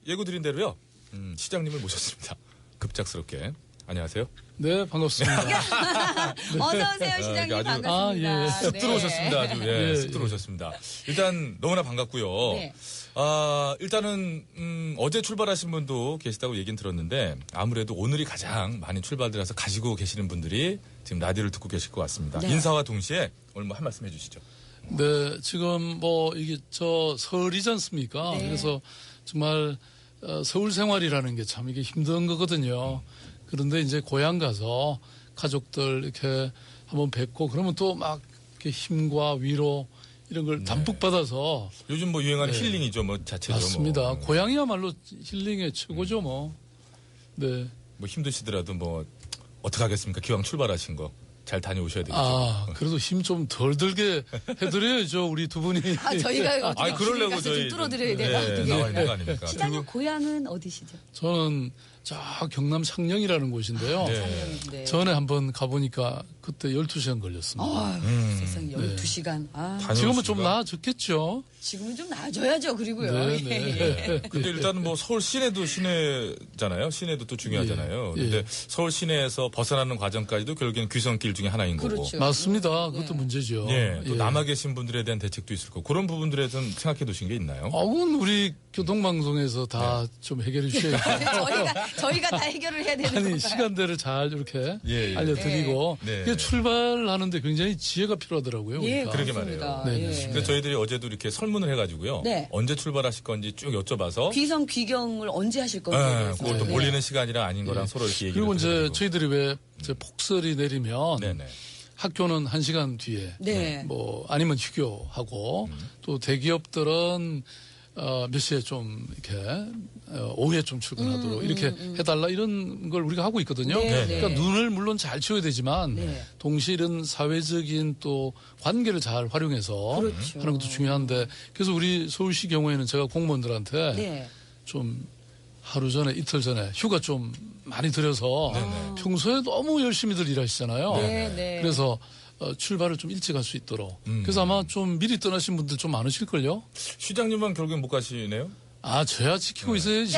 예고 드린 대로요. 시장님을 모셨습니다. 급작스럽게. 안녕하세요. 네, 반갑습니다. 어서 오세요, 시장님. 반갑습니다. 쑥 네. 들어오셨습니다. 아주 쑥 들어오셨습니다. 일단 너무나 반갑고요. 네. 일단은 어제 출발하신 분도 계시다고 얘기는 들었는데 아무래도 오늘이 가장 많이 출발들어서 가지고 계시는 분들이 지금 라디오를 듣고 계실 것 같습니다. 네. 인사와 동시에 오늘 뭐 한 말씀 해주시죠. 네, 지금 이게 설이지 않습니까? 네. 그래서 정말 서울 생활이라는 게 참 이게 힘든 거거든요. 그런데 이제 고향 가서 가족들 이렇게 한번 뵙고 그러면 또 막 이렇게 힘과 위로 이런 걸 담뿍 받아서 요즘 뭐 유행하는 힐링이죠, 뭐 자체로. 맞습니다. 뭐. 고향이야말로 힐링의 최고죠, 뭐. 네. 뭐 힘드시더라도 뭐 어떻게 하겠습니까? 기왕 출발하신 거 잘 다녀오셔야 되겠죠. 그래도 힘 좀 덜 들게 해드려야죠, 우리 두 분이. 저희가 어떻게 그러려고 저희 좀 뚫어드려야 되나? 네, 나와 있는 거 아닙니까? 시장님 고향은 어디시죠? 저는 저 경남 창녕이라는 곳인데요. 창녕인데. 전에 한번 가보니까 그때 12시간 걸렸습니다. 세상에 12시간. 지금은 좀 나아졌겠죠. 지금은 좀 나아져야죠. 그리고요. 네, 예. 네. 근데 일단은 뭐 서울 시내도 시내잖아요. 시내도 또 중요하잖아요. 예. 근데 서울 시내에서 벗어나는 과정까지도 결국엔 귀성길 중에 하나인 거고. 그렇죠. 맞습니다. 그것도 문제죠. 예, 또 예. 남아 계신 분들에 대한 대책도 있을 거고 그런 부분들에 좀 생각해 두신 게 있나요? 그건 우리 교통방송에서 다 좀 해결해 주셔야죠. 저희가 다 해결을 해야 되는 아니, 건가요? 시간대를 잘 이렇게 예. 알려드리고 네. 이게 출발하는데 굉장히 지혜가 필요하더라고요. 예, 그러니까. 그러게 그렇습니다. 말이에요. 네, 네. 예. 그래서 저희들이 어제도 이렇게 설문을 해가지고요. 네. 언제 출발하실 건지 쭉 여쭤봐서. 귀성 귀경을 언제 하실 건지. 그것도 네. 몰리는 시간이라 아닌 거랑 서로 이렇게 얘기를 그리고 이제 드려가지고. 저희들이 왜 이제 폭설이 내리면 네네. 학교는 1시간 뒤에 네. 뭐 아니면 휴교하고 또 대기업들은 몇 시에 좀 이렇게 오후에 좀 출근하도록 이렇게 해달라 이런 걸 우리가 하고 있거든요. 네, 그러니까 네. 눈을 물론 잘 치워야 되지만 네. 동시에 이런 사회적인 또 관계를 잘 활용해서 그렇죠. 하는 것도 중요한데 그래서 우리 서울시 경우에는 제가 공무원들한테 네. 좀 하루 전에 이틀 전에 휴가 좀 많이 들여서 네네. 평소에 너무 열심히들 일하시잖아요. 네, 네. 그래서 출발을 좀 일찍 할 수 있도록. 그래서 아마 좀 미리 떠나신 분들 좀 많으실걸요? 시장님만 결국엔 못 가시네요? 저야 지키고 있어야죠.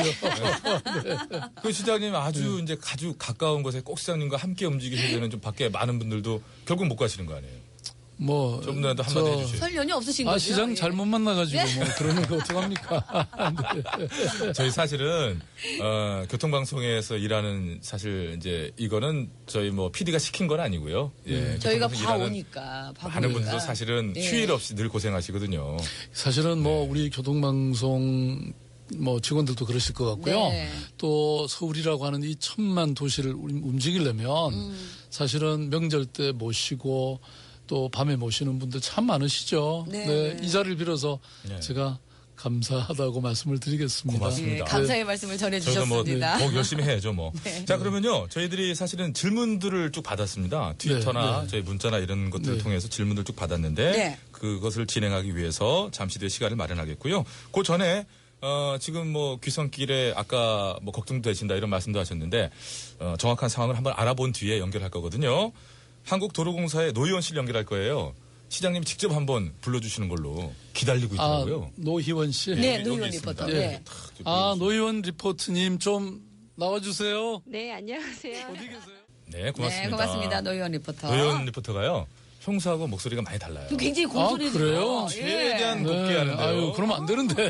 그 시장님 아주 이제 아주 가까운 곳에 꼭 시장님과 함께 움직이셔야 되는 좀 밖에 많은 분들도 결국 못 가시는 거 아니에요? 뭐. 좀더 한마디 해주세요. 설 연휴 없으신 거죠? 시장 예. 잘못 만나가지고 뭐 그러는 거 어떡합니까? 저희 사실은 교통방송에서 일하는 사실 이제 이거는 저희 뭐 PD가 시킨 건 아니고요. 예, 저희가 교통방송 봐 일하는 오니까. 많은 분들도 사실은 네. 휴일 없이 늘 고생하시거든요. 사실은 뭐 우리 교통방송 뭐 직원들도 그러실 것 같고요. 네. 또 서울이라고 하는 이 천만 도시를 움직이려면 사실은 명절 때 모시고 또 밤에 모시는 분들 참 많으시죠. 네. 이 자리를 빌어서 네. 제가 감사하다고 말씀을 드리겠습니다. 고맙습니다. 예, 감사의 말씀을 저희가 뭐 전해주셨습니다. 더욱 열심히 해야죠, 뭐. 네. 자, 그러면요. 저희들이 사실은 질문들을 쭉 받았습니다. 트위터나 네. 저희 문자나 이런 것들을 네. 통해서 질문들 쭉 받았는데 네. 그것을 진행하기 위해서 잠시 뒤에 시간을 마련하겠고요. 그 전에 지금 뭐 귀성길에 아까 뭐 걱정되신다 이런 말씀도 하셨는데 정확한 상황을 한번 알아본 뒤에 연결할 거거든요. 한국도로공사의 노희원 씨를 연결할 거예요. 시장님 직접 한번 불러주시는 걸로 기다리고 있더라고요. 노희원 씨. 네, 여기 노희원 있습니다. 리포터. 네. 네. 탁 좀 불러주세요. 노희원 리포트님 좀 나와주세요. 네, 안녕하세요. 어디 계세요? 네, 고맙습니다. 네, 고맙습니다. 노희원 리포터. 노희원 리포터가요. 평소하고 목소리가 많이 달라요. 굉장히 공손해지고. 그래요? 최대한 예. 높게 하는데요. 아유, 그러면 안 되는데.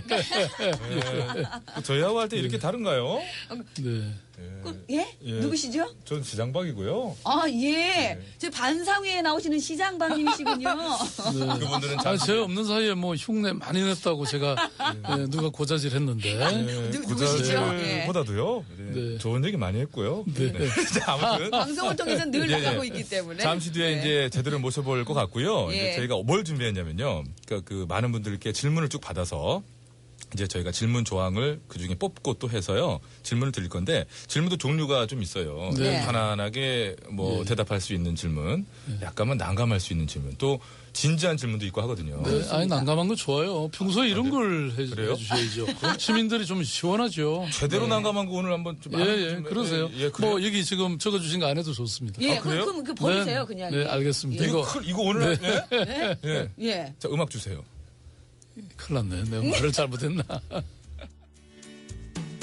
저희하고 할 때 이렇게 다른가요? 네. 예? 예. 누구시죠? 전 지장박이고요. 예. 저 반상회에 나오시는 시장방님이시군요. 그분들은 제가 없는 사이에 뭐 흉내 많이 냈다고 제가 누가 고자질 했는데. 누구시죠? 예. 보다도요. 네. 좋은 얘기 많이 했고요. 네. 자, 아무튼 방송을 통해서 늘 예, 예. 나가고 있기 때문에. 잠시 뒤에 네. 이제 제대로 모셔볼 것 같고요. 예. 이제 저희가 뭘 준비했냐면요. 그러니까 그 많은 분들께 질문을 쭉 받아서 이제 저희가 질문 조항을 그 중에 뽑고 또 해서요. 질문을 드릴 건데 질문도 종류가 좀 있어요. 네. 편안하게 뭐 대답할 수 있는 질문, 약간은 난감할 수 있는 질문, 또 진지한 질문도 있고 하거든요. 네, 아니, 난감한 거 좋아요. 평소에 이런 걸 그래요? 해주셔야죠. 시민들이 좀 시원하죠. 제대로 난감한 거 오늘 한번 좀 예, 그러세요. 예, 그래요? 뭐, 여기 지금 적어주신 거 안 해도 좋습니다. 예, 그래요? 그럼 그 버리세요, 네, 그냥. 네, 알겠습니다. 예. 이거 오늘 예? 예. 예. 자, 음악 주세요. 큰일 났네. 내가 말을 잘못했나.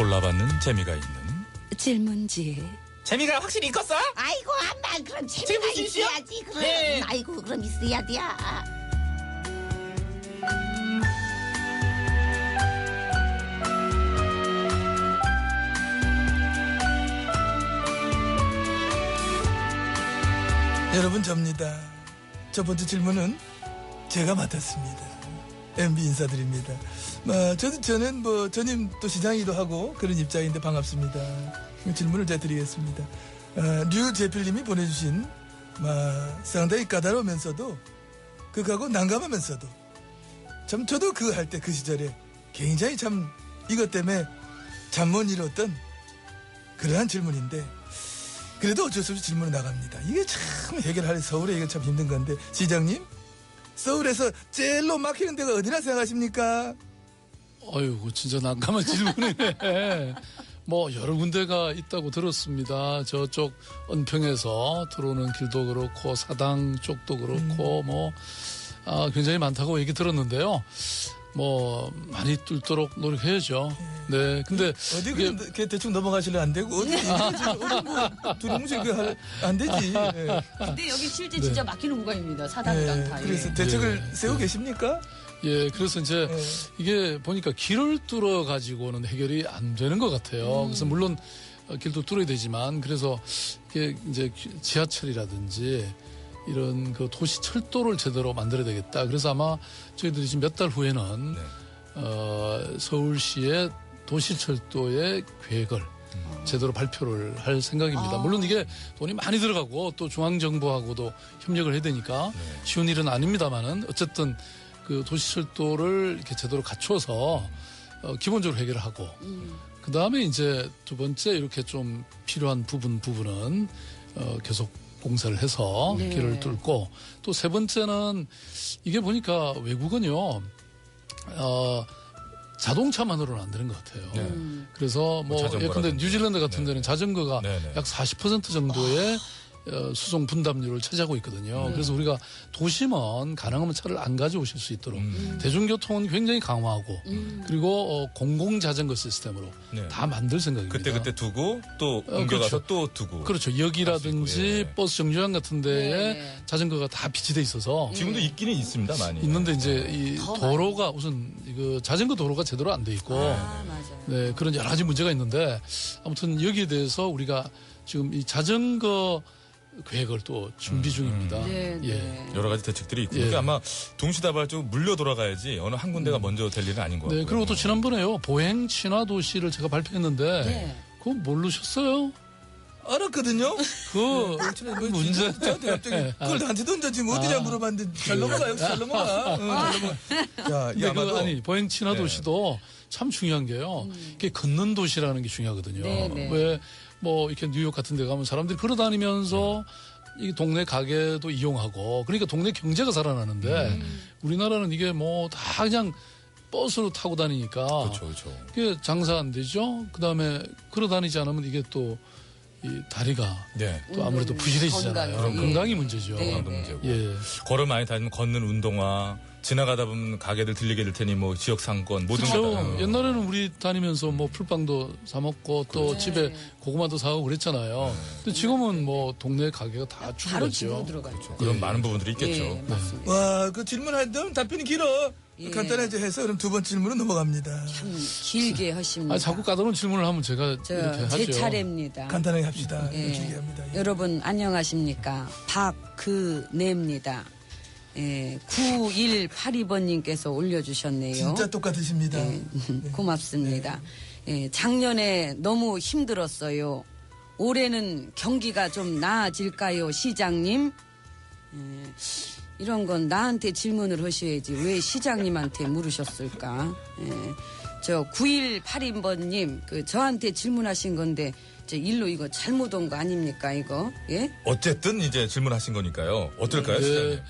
골라받는 재미가 있는 질문지. 재미가 확실히 있겠어? 아이고 엄마 그럼 재미가 재밌으시죠? 있어야지 그럼 네. 아이고 그럼 있어야 돼 여러분 접니다. 첫 번째 질문은 제가 맡았습니다. MB 인사드립니다. 저는 전임 또 시장이기도 하고 그런 입장인데 반갑습니다. 질문을 제가 드리겠습니다. 류재필님이 보내주신 상당히 까다로우면서도 극하고 난감하면서도 참 저도 그 할 때 그 시절에 굉장히 참 이것 때문에 잠 못 이뤘던 그러한 질문인데 그래도 어쩔 수 없이 질문이 나갑니다. 이게 참 해결하기 서울에 이게 참 힘든 건데 시장님 서울에서 제일로 막히는 데가 어디나 생각하십니까? 어이구, 진짜 난감한 질문이네. 뭐, 여러 군데가 있다고 들었습니다. 저쪽 은평에서 들어오는 길도 그렇고, 사당 쪽도 그렇고, 굉장히 많다고 얘기 들었는데요. 많이 뚫도록 노력해야죠. 네. 근데. 어디 그냥 대충 넘어가시려 안 되고, 어디 두루뭉실 안 되지. 예. 근데 여기 실제 진짜 막히는 구간입니다. 사당이랑 다. 그래서 대책을 세우고 계십니까? 예, 그래서 이제 이게 보니까 길을 뚫어 가지고는 해결이 안 되는 것 같아요. 그래서 물론 길도 뚫어야 되지만 그래서 이게 이제 지하철이라든지 이런 그 도시 철도를 제대로 만들어야 되겠다. 그래서 아마 저희들이 지금 몇 달 후에는 서울시의 도시 철도의 계획을 제대로 발표를 할 생각입니다. 물론 이게 돈이 많이 들어가고 또 중앙정부하고도 협력을 해야 되니까 쉬운 일은 아닙니다만은 어쨌든 그 도시철도를 이렇게 제대로 갖춰서 기본적으로 해결을 하고 그 다음에 이제 두 번째 이렇게 좀 필요한 부분은 계속 공사를 해서 네. 길을 뚫고 또 세 번째는 이게 보니까 외국은요 자동차만으로는 안 되는 것 같아요. 그래서 자전거라든지. 예컨대 뉴질랜드 같은 데는 자전거가 네네. 약 40% 정도의 수송 분담률을 차지하고 있거든요. 그래서 우리가 도심은 가능하면 차를 안 가져오실 수 있도록 대중교통은 굉장히 강화하고 그리고 공공자전거 시스템으로 네. 다 만들 생각입니다. 그때 두고 또 옮겨가서 그렇죠. 또 두고. 그렇죠. 역이라든지 있고, 예. 버스 정류장 같은 데에 네. 자전거가 다 비치돼 있어서 지금도 있기는 있습니다, 많이. 있는데 이제 이 더 도로가 우선 그 자전거 도로가 제대로 안 돼 있고 맞아요. 네, 그런 여러 가지 문제가 있는데 아무튼 여기에 대해서 우리가 지금 이 자전거 계획을 또 준비 중입니다. 네, 예. 네. 여러 가지 대책들이 있고. 예. 그러니까 아마 동시다발적으로 물려 돌아가야지 어느 한 군데가 먼저 될 일은 아닌 것 같고요. 네, 그리고 또 지난번에요. 보행 친화 도시를 제가 발표했는데 네. 그거 모르셨어요? 알았거든요. 그 문제 저한테 갑자기 그걸 나한테 던져지 어디냐 물어봤는데 잘 넘어가 역시 잘 넘어가. 잘 넘어가. 자, 이 근데 아마도 아니 보행 친화 도시도 참 중요한 게요. 이게 걷는 도시라는 게 중요하거든요. 네, 네. 왜 이렇게 뉴욕 같은 데 가면 사람들이 걸어다니면서 이 동네 가게도 이용하고 그러니까 동네 경제가 살아나는데 우리나라는 이게 다 그냥 버스로 타고 다니니까 그렇죠. 그게 장사 안 되죠. 그다음에 걸어다니지 않으면 이게 또 이 다리가 네. 또 아무래도 부실해지잖아요. 건강, 예. 건강이 문제죠. 네, 건강도 네. 문제고. 예. 걸어 많이 다니면 걷는 운동화, 지나가다 보면 가게들 들리게 될 테니 지역 상권 모든 그렇죠. 거 다. 옛날에는 우리 다니면서 풀빵도 사 먹고 또 집에 고구마도 사고 그랬잖아요. 근데 지금은 동네 가게가 다 바로 집으로 죽어갔죠. 들어가죠. 그런 많은 부분들이 있겠죠. 예, 맞습니다. 와, 그 질문할 때는 답변이 길어. 예. 간단하게 해서 그럼 두 번째 질문으로 넘어갑니다. 참 길게 하십니다. 자꾸 까다로운 질문을 하면 제가 이렇게 하죠. 제 차례입니다. 간단하게 합시다. 예. 길게 합니다. 예. 여러분 안녕하십니까? 박그네입니다. 9182번님께서 올려주셨네요. 진짜 똑같으십니다. 고맙습니다. 작년에 너무 힘들었어요. 올해는 경기가 좀 나아질까요, 시장님? 이런 건 나한테 질문을 하셔야지 왜 시장님한테 물으셨을까? 저 9182번님 저한테 질문하신 건데 일로 이거 잘못 온 거 아닙니까 이거? 예? 어쨌든 이제 질문하신 거니까요. 어떨까요, 네. 시장님?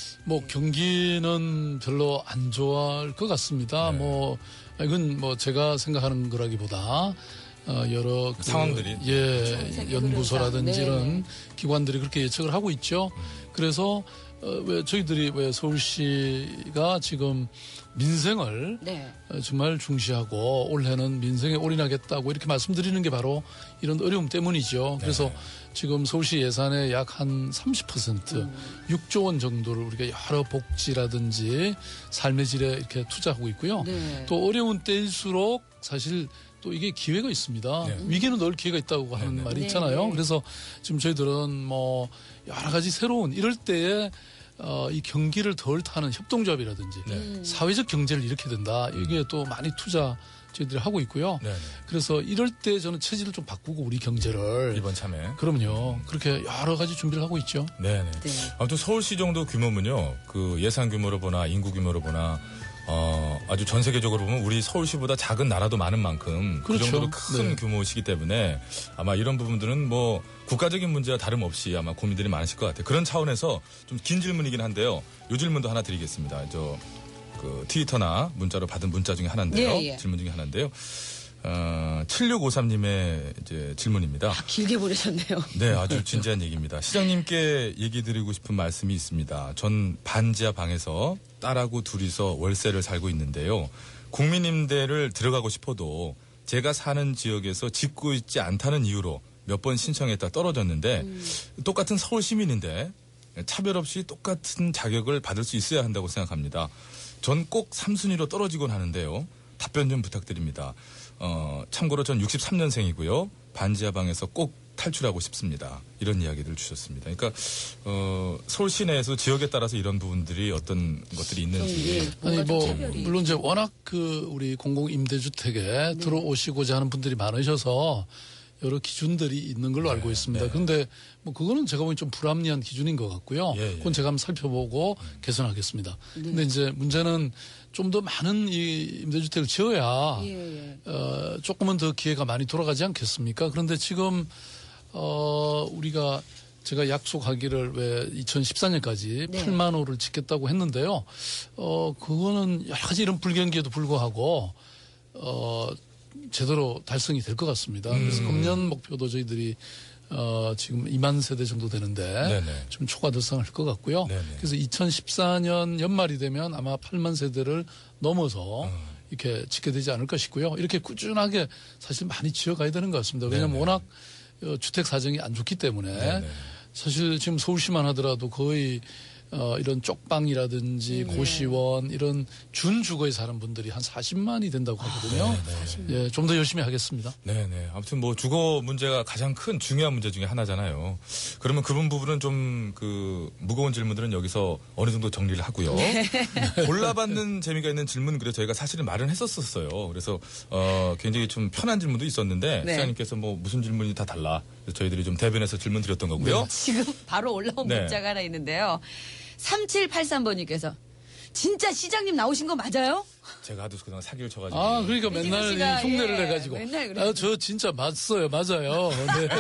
경기는 별로 안 좋아할 것 같습니다. 이건 제가 생각하는 거라기보다 여러 상황들이. 연구소라든지 세계 이런 흐름상. 기관들이 그렇게 예측을 하고 있죠. 그래서 왜 저희들이 왜 서울시가 지금 민생을 네. 정말 중시하고 올해는 민생에 올인하겠다고 이렇게 말씀드리는 게 바로 이런 어려움 때문이죠. 그래서 지금 서울시 예산의 약 한 30% 6조 원 정도를 우리가 여러 복지라든지 삶의 질에 이렇게 투자하고 있고요. 네. 또 어려운 때일수록 사실 또 이게 기회가 있습니다. 위기는 늘 기회가 있다고 하는 말이 있잖아요. 네. 그래서 지금 저희들은 뭐 여러 가지 새로운 이럴 때에 이 경기를 덜 타는 협동조합이라든지 사회적 경제를 일으켜야 된다. 이게 또 많이 투자 저희들이 하고 있고요. 네. 그래서 이럴 때 저는 체질을 좀 바꾸고 우리 경제를 이번 참에. 그럼요. 그렇게 여러 가지 준비를 하고 있죠. 네네. 네. 아무튼 서울시 정도 규모면요, 그 예산 규모로 보나 인구 규모로 보나 아주 전 세계적으로 보면 우리 서울시보다 작은 나라도 많은 만큼 그 그렇죠. 정도로 큰 네. 규모시기 때문에 아마 이런 부분들은 뭐 국가적인 문제와 다름없이 아마 고민들이 많으실 것 같아요. 그런 차원에서 좀 긴 질문이긴 한데요. 이 질문도 하나 드리겠습니다. 그 트위터나 문자로 받은 문자 중에 하나인데요. 예, 예. 질문 중에 하나인데요. 7653님의 이제 질문입니다. 길게 보내셨네요. 네, 아주 진지한 얘기입니다. 시장님께 얘기 드리고 싶은 말씀이 있습니다. 전 반지하 방에서 딸하고 둘이서 월세를 살고 있는데요. 국민임대를 들어가고 싶어도 제가 사는 지역에서 짓고 있지 않다는 이유로 몇 번 신청했다 떨어졌는데 똑같은 서울 시민인데 차별 없이 똑같은 자격을 받을 수 있어야 한다고 생각합니다. 전 꼭 3순위로 떨어지곤 하는데요. 답변 좀 부탁드립니다. 참고로 전 63년생이고요. 반지하 방에서 꼭 탈출하고 싶습니다. 이런 이야기를 주셨습니다. 그러니까 서울 시내에서 지역에 따라서 이런 부분들이 어떤 것들이 있는지. 아니 뭐 물론 이제 워낙 그 우리 공공 임대주택에 들어오시고자 하는 분들이 많으셔서 여러 기준들이 있는 걸로 알고 있습니다. 그런데 뭐 그거는 제가 보기엔 좀 불합리한 기준인 것 같고요. 예, 예. 그건 제가 한번 살펴보고 개선하겠습니다. 근데 이제 문제는 좀 더 많은 이 임대주택을 지어야 예, 예. 조금은 더 기회가 많이 돌아가지 않겠습니까? 그런데 지금 우리가 제가 약속하기를 왜 2014년까지 네. 8만 호를 짓겠다고 했는데요. 그거는 여러 가지 이런 불경기에도 불구하고 제대로 달성이 될 것 같습니다. 그래서 금년 목표도 저희들이 지금 2만 세대 정도 되는데 네네. 좀 초과 달성할 것 같고요. 네네. 그래서 2014년 연말이 되면 아마 8만 세대를 넘어서 이렇게 짓게 되지 않을까 싶고요. 이렇게 꾸준하게 사실 많이 지어가야 되는 것 같습니다. 왜냐하면 네네. 워낙 주택 사정이 안 좋기 때문에 네네. 사실 지금 서울시만 하더라도 거의 이런 쪽방이라든지 고시원 이런 준주거에 사는 분들이 한 40만이 된다고 하거든요. 예, 좀 더 열심히 하겠습니다. 네네. 아무튼 뭐 주거 문제가 가장 큰 중요한 문제 중에 하나잖아요. 그러면 그런 부분은 좀 그 무거운 질문들은 여기서 어느 정도 정리를 하고요. 골라받는 재미가 있는 질문 그래서 저희가 사실은 말은 했었어요. 그래서 굉장히 좀 편한 질문도 있었는데 네. 시장님께서 뭐 무슨 질문이 다 달라. 그래서 저희들이 좀 대변해서 질문 드렸던 거고요. 지금 바로 올라온 네. 문자가 하나 있는데요. 3783번님께서 진짜 시장님 나오신 거 맞아요? 제가 하도 그냥 사기를 쳐가지고. 아, 그러니까 맨날 이진호 씨가, 이 흉내를 예, 내가지고. 맨날 그래요. 저 진짜 맞어요. 맞아요. 네.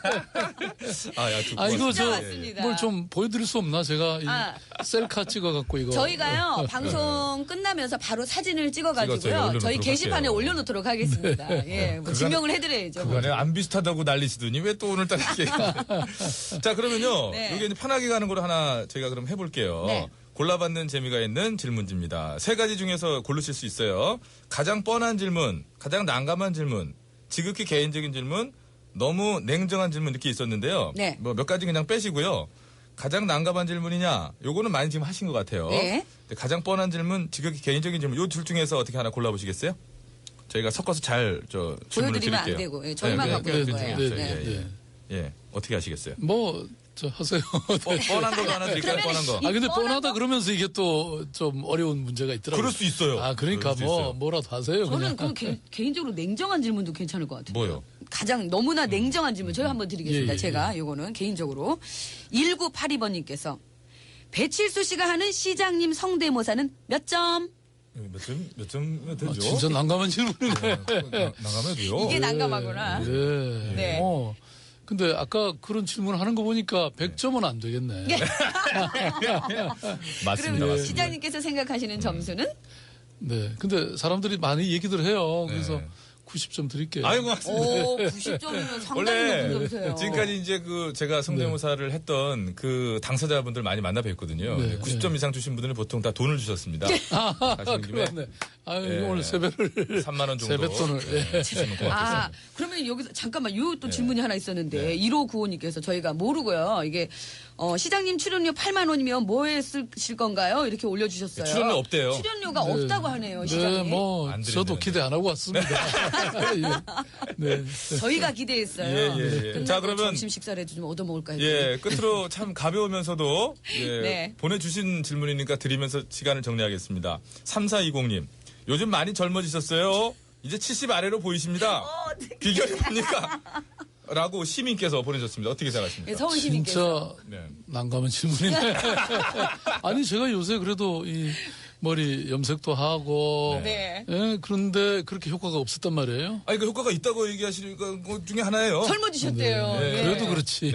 야, 이거 진짜 저 맞습니다. 뭘 좀 보여드릴 수 없나? 제가 이 셀카 찍어갖고 이거. 저희가요 방송 끝나면서 바로 사진을 찍었어요. 찍어가지고요 올려놓도록 저희 게시판에 할게요. 올려놓도록 하겠습니다. 예, 뭐 증명을 해드려야죠. 그간에 안 비슷하다고 난리시더니 왜 또 오늘따라 이렇게. 자, 그러면요. 네. 이게 이제 편하게 가는 거로 하나 저희가 그럼 해볼게요. 네. 골라받는 재미가 있는 질문지입니다. 세 가지 중에서 고르실 수 있어요. 가장 뻔한 질문, 가장 난감한 질문, 지극히 개인적인 질문, 너무 냉정한 질문 이렇게 있었는데요. 네. 뭐 몇 가지 그냥 빼시고요. 가장 난감한 질문이냐? 요거는 많이 지금 하신 것 같아요. 네. 근데 가장 뻔한 질문, 지극히 개인적인 질문, 요 둘 중에서 어떻게 하나 골라보시겠어요? 저희가 섞어서 잘 질문을 보여드리면 안 드릴게요. 되고, 예, 저희만 갖고 있는 거예요. 네, 네. 네. 예, 어떻게 하시겠어요? 뭐, 저 하세요. 뻔한 걸로 하나 드릴까요? 그러면 뻔한 거. 아, 근데 뻔한 뻔하다 거? 그러면서 이게 또 좀 어려운 문제가 있더라고요. 그럴 수 있어요. 아, 그러니까 그럴 수 있어요. 뭐라도 하세요. 저는 그냥. 그 개인적으로 냉정한 질문도 괜찮을 것 같아요. 뭐요? 가장 너무나 냉정한 질문 저희 한번 드리겠습니다. 예, 예, 제가 요거는 개인적으로 1982번님께서 배칠수 씨가 하는 시장님 성대모사는 몇 점? 몇 점 되죠? 아, 진짜 난감한 질문이네. 나가면도요. 이게 난감하구나. 네. 네. 근데 아까 그런 질문을 하는 거 보니까 100점은 안 되겠네. 맞습니다, 그럼 맞습니다. 시장님께서 생각하시는 점수는? 네. 근데 사람들이 많이 얘기들 해요. 그래서 네. 90점 드릴게요. 아이고, 고맙습니다. 오, 90점이면 상당히 원래 높은 점수예요. 지금까지 이제 그 제가 성대모사를 했던 그 당사자분들 많이 만나 뵀거든요. 네, 90점 이상 주신 분들은 보통 다 돈을 주셨습니다. 가시는 김에 그렇네. 아유, 예. 오늘 세배를 3만 원 정도 세뱃돈을, 예. 주시면 고맙겠습니다. 아, 그러면 여기서 잠깐만 요 또 네. 질문이 하나 있었는데 네. 1595님께서 저희가 모르고요. 이게 시장님 출연료 8만 원이면 뭐에 쓰실 건가요? 이렇게 올려주셨어요. 네, 출연료 없대요. 출연료가 네. 없다고 하네요, 네, 시장님. 뭐 안 저도 드리는데. 기대 안 하고 왔습니다. 예. 네. 저희가 기대했어요. 예, 예, 예. 끝나고 자, 그러면- 점심 식사를 좀 얻어먹을까 했더니 예, 끝으로 참 가벼우면서도 예, 네. 보내주신 질문이니까 드리면서 시간을 정리하겠습니다. 3420님, 요즘 많이 젊어지셨어요. 이제 70 아래로 보이십니다. 비결이 뭡니까? 라고 시민께서 보내셨습니다. 어떻게 생각하십니까? 예, 서울 시민께서 진짜 네. 난감한 질문이네. 아니 제가 요새 그래도 이 머리 염색도 하고 네. 예, 그런데 그렇게 효과가 없었단 말이에요. 아니, 그 효과가 있다고 얘기하시는 것 중에 하나예요. 젊어지셨대요. 네. 예. 그래도 그렇지.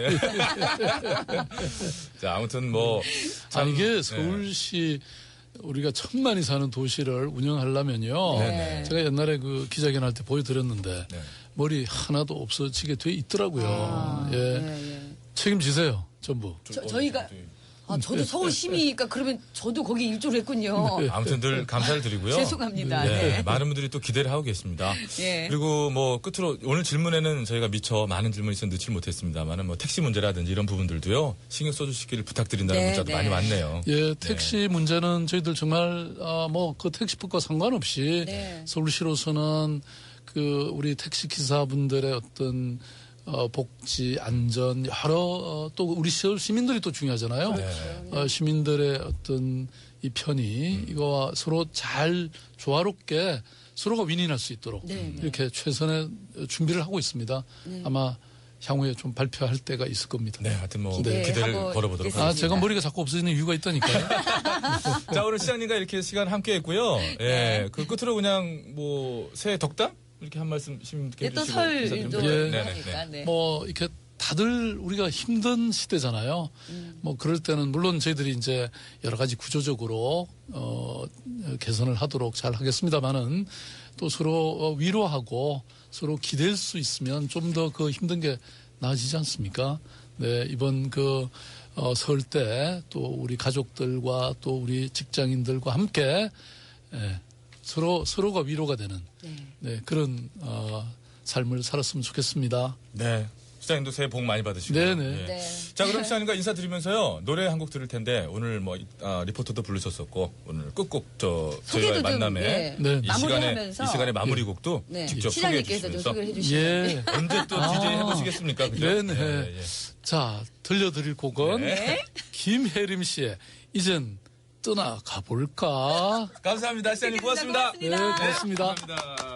자, 아무튼 뭐. 참, 아니 이게 네. 서울시 우리가 천만이 사는 도시를 운영하려면요. 네. 제가 옛날에 그 기자회견 할 때 보여드렸는데 네. 머리 하나도 없어지게 돼 있더라고요. 예. 예, 예. 책임지세요, 전부. 저희가 저도 서울 시민이니까 그러면 저도 거기 일조를 했군요. 아무튼 늘 감사를 드리고요. 죄송합니다. 네, 네. 많은 분들이 또 기대를 하고 계십니다. 예. 그리고 뭐 끝으로 오늘 질문에는 저희가 미처 많은 질문이 있어 넣지 못했습니다만은 뭐 택시 문제라든지 이런 부분들도요 신경 써주시기를 부탁드린다는 네, 문자도 네. 많이 왔네요. 예, 택시 문제는 저희들 정말 뭐 그 택시법과 상관없이 네. 서울시로서는 그 우리 택시 기사분들의 어떤 복지, 안전 여러 또 우리 서울 시민들이 또 중요하잖아요. 시민들의 어떤 이 편의 이거와 서로 잘 조화롭게 서로가 윈윈할 수 있도록 네, 네. 이렇게 최선의 준비를 하고 있습니다. 아마 향후에 좀 발표할 때가 있을 겁니다. 네, 하여튼 뭐 기대하고 기대를 걸어보도록 있겠습니다. 아, 제가 머리가 자꾸 없어지는 이유가 있다니까요. 자, 오늘 시장님과 이렇게 시간 함께 했고요. 예, 그 끝으로 그냥 뭐 새해 덕담? 이렇게 한 말씀 시민께 네, 또 해주시고 인사드리면 설도 돼요. 예. 하니까. 네. 뭐 이렇게 다들 우리가 힘든 시대잖아요. 뭐 그럴 때는 물론 저희들이 이제 여러 가지 구조적으로 개선을 하도록 잘 하겠습니다만은 또 서로 위로하고 서로 기댈 수 있으면 좀 더 그 힘든 게 나아지지 않습니까? 네, 이번 그 설 때 또 우리 가족들과 또 우리 직장인들과 함께 서로가 위로가 되는 네, 그런 삶을 살았으면 좋겠습니다. 네. 시장님도 새해 복 많이 받으시고. 네네. 예. 네. 자, 그럼 시장님과 인사드리면서요. 노래 한 곡 들을 텐데 오늘 뭐 리포터도 부르셨었고 오늘 끝곡 저희와의 소개도 좀, 만남에 예, 네. 마무리하면서 이 시간에 마무리 곡도 네. 직접 소개해 시장님께서 좀 주시면서 소개를 해주시면 예. 언제 또 DJ 해보시겠습니까? 그죠? 네네. 예, 예. 자, 들려드릴 곡은 네. 김혜림 씨의 이젠 떠나가 볼까? 감사합니다. 시장님 고맙습니다. 고맙습니다. 네, 고맙습니다. 감사합니다.